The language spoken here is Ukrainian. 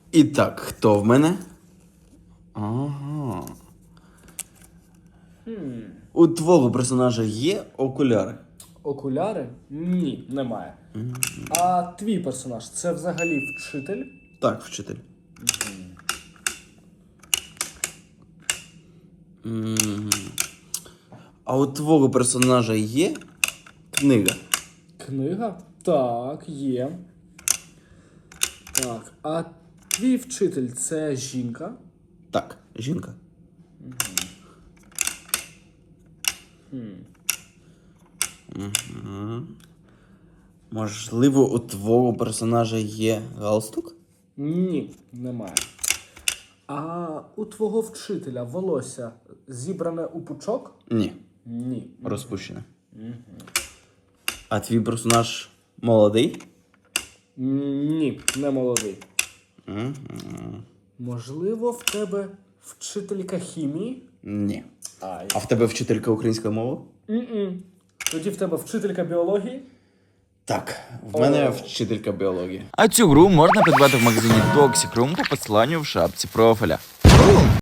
І так, хто в мене? Ага. У твого персонажа є окуляри? Окуляри? Ні, немає. А твій персонаж це взагалі вчитель? Так, вчитель. А у твого персонажа є книга? Книга? Так, є. Так, а твій вчитель це жінка? Так, жінка. Можливо, у твого персонажа є галстук? Ні, немає. А у твого вчителя волосся зібране у пучок? Ні. Ні. Розпущене. А твій персонаж молодий? Ні, не молодий. Можливо, в тебе вчителька хімії? Ні. Ай. А в тебе вчителька української мови? Тоді в тебе вчителька біології? Так, в мене вчителька біології. А цю гру можна придбати в магазині Toxic Room по посиланню в шапці профіля.